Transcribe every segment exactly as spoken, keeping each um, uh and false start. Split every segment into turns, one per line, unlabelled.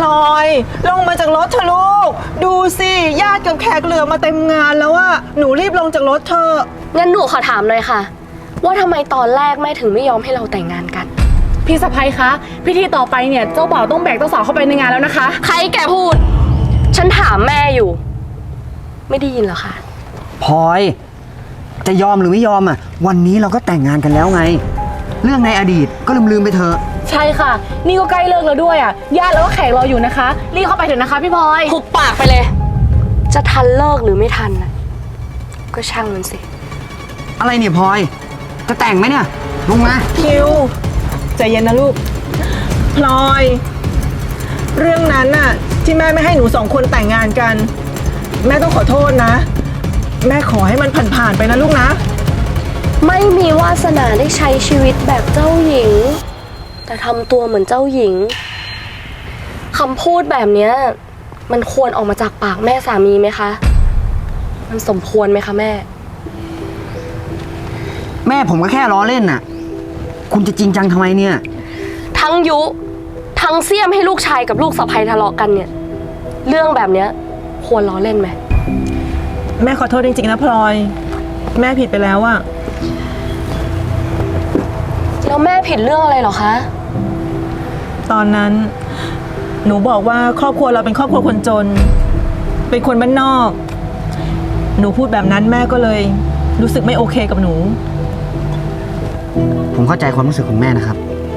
ลอยลงมาจากรถเถอะลูกดูสิญาติกับแขกเหลือมาเต็มงานแล้วอะหนูรีบลงจากรถเถอะ
งั้นหนูขอถามหน่อยค่ะว่าทำไมตอนแรกแม่ถึงไม่ยอมให้เราแต่งงานกัน
พี่สะใภ้คะพิธีต่อไปเนี่ยเจ้าบ่าวต้องแบกเจ้าสาวเข้าไปในงานแล้วนะคะ
ใครแกพูดฉันถามแม่อยู่ไม่ได้ยินเหรอคะ
พลอยจะยอมหรือไม่ยอมอ่ะวันนี้เราก็แต่งงานกันแล้วไงเรื่องในอดีตก็ลืมลืมไปเถอะ
ใช่ค่ะนี่ก็ใกล้เลิกแล้วด้วยอ่ะญาติแล้วก็แขกรออยู่นะคะรีบเข้าไปเถอะนะคะพี่พลอย
หุบปากไปเลยจะทันเลิกหรือไม่ทันนะก็ช่างมันสิ
อะไรเนี่ยพลอยจะแต่งไหมเนี่ยลงมา
คิวใจเย็นนะลูกพลอยเรื่องนั้นน่ะที่แม่ไม่ให้หนูสองคนแต่งงานกันแม่ต้องขอโทษนะแม่ขอให้มันผ่านๆไปนะลูกนะ
ไม่มีวาสนาได้ใช้ชีวิตแบบเจ้าหญิงแต่ทำตัวเหมือนเจ้าหญิงคำพูดแบบนี้มันควรออกมาจากปากแม่สามีไหมคะมันสมควรไหมคะแม่
แม่ผมก็แค่ล้อเล่นน่ะคุณจะจริงจังทำไมเนี่ย
ทั้งยุทั้งเสี้ยมให้ลูกชายกับลูกสะใภ้ทะเลาะกันเนี่ยเรื่องแบบนี้ควรล้อเล่นไหม
แม่ขอโทษจริงๆนะพลอยแม่ผิดไปแล้วอะ
แล้วแม่ผิดเรื่องอะไรหรอคะ
ตอนนั้นหนูบอกว่าครอบครัวเราเป็นครอบครัวคนจนเป็นคนบ้านนอกหนูพูดแบบนั้นแม่ก็เลยรู้สึกไม่โอเคกับหนู
ผมเข้าใจความรู้สึกของแม่นะครับ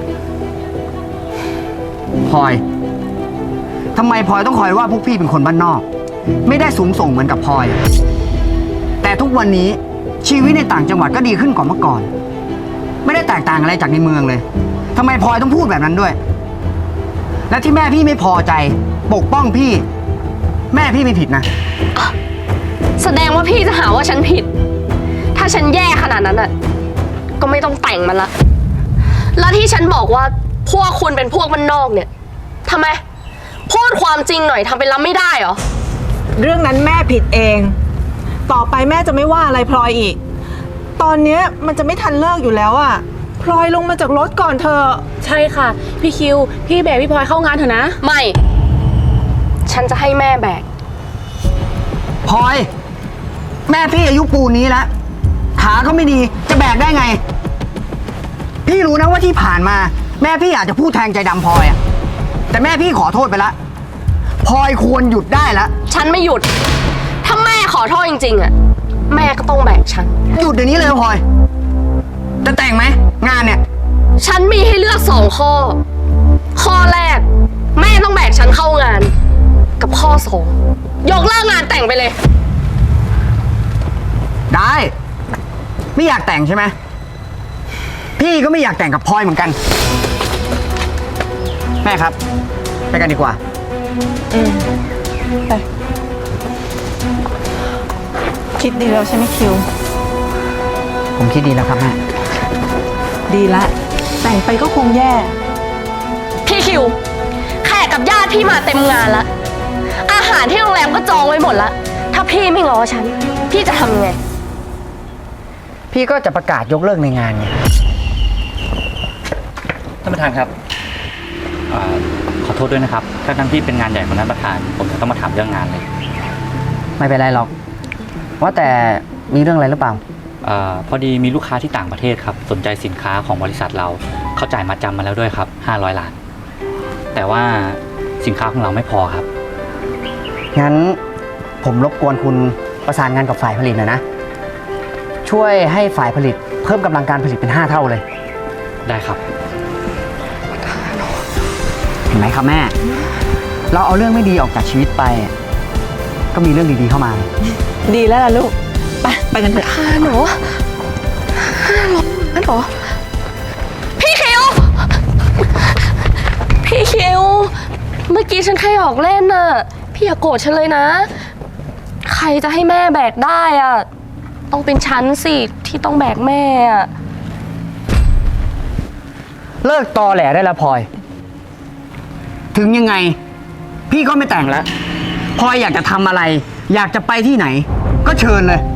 พลอยทำไมพลอยต้องคอยว่าพวกพี่เป็นคนบ้านนอกไม่ได้สูงส่งเหมือนกับพลอยแต่ทุกวันนี้ชีวิตในต่างจังหวัดก็ดีขึ้นกว่าเมื่อก่อนไม่ได้แตกต่างอะไรจากในเมืองเลยทำไมพลอยต้องพูดแบบนั้นด้วยและที่แม่พี่ไม่พอใจปกป้องพี่แม่พี่ไม่ผิดนะ
แสดงว่าพี่จะหาว่าฉันผิดถ้าฉันแย่ขนาดนั้นอ่ะก็ไม่ต้องแต่งมันละแล้วที่ฉันบอกว่าพวกคุณเป็นพวกบ้านนอกเนี่ยทำไมพูดความจริงหน่อยทำเป็นรับไม่ได้เหรอ
เรื่องนั้นแม่ผิดเองต่อไปแม่จะไม่ว่าอะไรพลอยอีกตอนนี้มันจะไม่ทันเลิกอยู่แล้วอ่ะพลอยลงมาจากรถก่อนเถอะ
ใช่ค่ะพี่คิวพี่แบกพี่พลอยเข้างานเถอะนะ
ไม่ฉันจะให้แม่แบก
พลอยแม่พี่อายุปูนนี้แล้วขาก็ไม่ดีจะแบกได้ไงพี่รู้นะว่าที่ผ่านมาแม่พี่อาจจะพูดแทงใจดำพลอยอะแต่แม่พี่ขอโทษไปละพลอยควรหยุดได้แล้ว
ฉันไม่หยุดถ้าแม่ขอโทษจริงๆอะแม่ก็ต้องแบกฉัน
หยุดเดี๋ยวนี้เลยพลอยจะแต่งไหมงานเนี่ย
ฉันมีให้เลือกสองข้อข้อแรกแม่ต้องแบกฉันเข้างานกับข้อสองยกเลิกงานแต่งไปเลย
ได้ไม่อยากแต่งใช่ไหมพี่ก็ไม่อยากแต่งกับพลอยเหมือนกันแม่ครับไปกันดีกว่า
อืมไปคิดดีแล้วใช่ไหมคิว
ผมคิดดีแล้วครับแม่
ดีละแต่งไปก็คงแย่
พี่คิวแขกกับญาติพี่มาเต็มงานละอาหารที่โรงแรมก็จองไว้หมดละถ้าพี่ไม่ง้อฉันพี่จะทำไง
พี่ก็จะประกาศยกเลิกในงานไง
ท่านประธานครับอขอโทษด้วยนะครับถ้าทั้งที่เป็นงานใหญ่ของท่านประธานผมจะต้องมาถามเรื่องงานเลย
ไม่เป็นไรหรอกว่าแต่มีเรื่องอะไรหรือเปล่า
อพอดีมีลูกค้าที่ต่างประเทศครับสนใจสินค้าของบริษัทเราเขาจ่ายมาจำมาแล้วด้วยครับห้าร้อยล้านแต่ว่าสินค้าของเราไม่พอครับ
งั้นผมรบกวนคุณประสานงานกับฝ่ายผลิตหน่อยนะช่วยให้ฝ่ายผลิตเพิ่มกำลังการผลิตเป็นห้าเท่าเลย
ได้ครับ
เห็นไหมครับแม่เราเอาเรื่องไม่ดีออกจากชีวิตไปก็มีเรื่องดีๆเข้ามา
ดีแล้วล่ะลูกไปไปกันเถอะ
ค่ะหนูห้าร้อยนั่นหรอพี่คิวพี่คิวเมื่อกี้ฉันแค่หยอกเล่นน่ะพี่อย่าโกรธฉันเลยนะใครจะให้แม่แบกได้อ่ะต้องเป็นฉันสิที่ต้องแบกแม่อ่ะ
เลิกตอแหลได้แล้วพลอยถึงยังไงพี่ก็ไม่แต่งแล้วพลอยอยากจะทำอะไรอยากจะไปที่ไหนก็เชิญเลย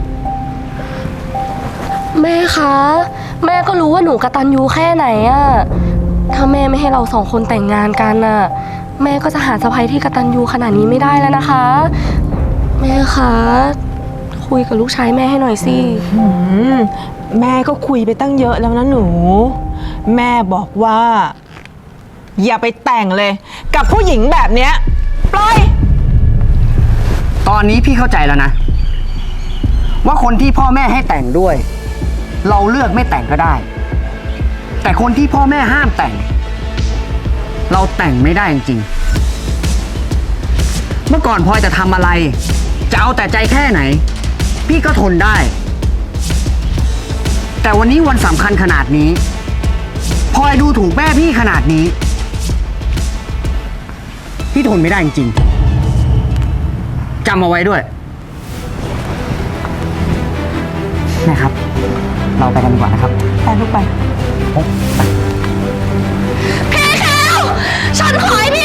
แม่คะแม่ก็รู้ว่าหนูกตัญญูแค่ไหนอะถ้าแม่ไม่ให้เราสองคนแต่งงานกันอะแม่ก็จะหาสะใภ้ที่กตัญญูขนาดนี้ไม่ได้แล้วนะคะ แม่คะคุยกับลูกชายแม่ให้หน่อยสิ
อืมแม่ก็คุยไปตั้งเยอะแล้วนะหนู แม่บอกว่า อย่าไปแต่งเลย กับผู้หญิงแบบเนี้ยปล่อย
ตอนนี้พี่เข้าใจแล้วนะ ว่าคนที่พ่อแม่ให้แต่งด้วย เราเลือกไม่แต่งก็ได้ แต่คนที่พ่อแม่ห้ามแต่ง เราแต่งไม่ได้จริงๆเมื่อก่อนพลอยจะทำอะไร จะเอาแต่ใจแค่ไหน พี่ก็ทนได้ แต่วันนี้วันสำคัญขนาดนี้พลอยดูถูกแม่พี่ขนาดนี้ พี่ทนไม่ได้จริงๆจำเอาไว้ด้วย แม่ครับ เราไปกันดีกว่านะครับ
ไปลูกไป
พี่แคลฉันขอให้พี่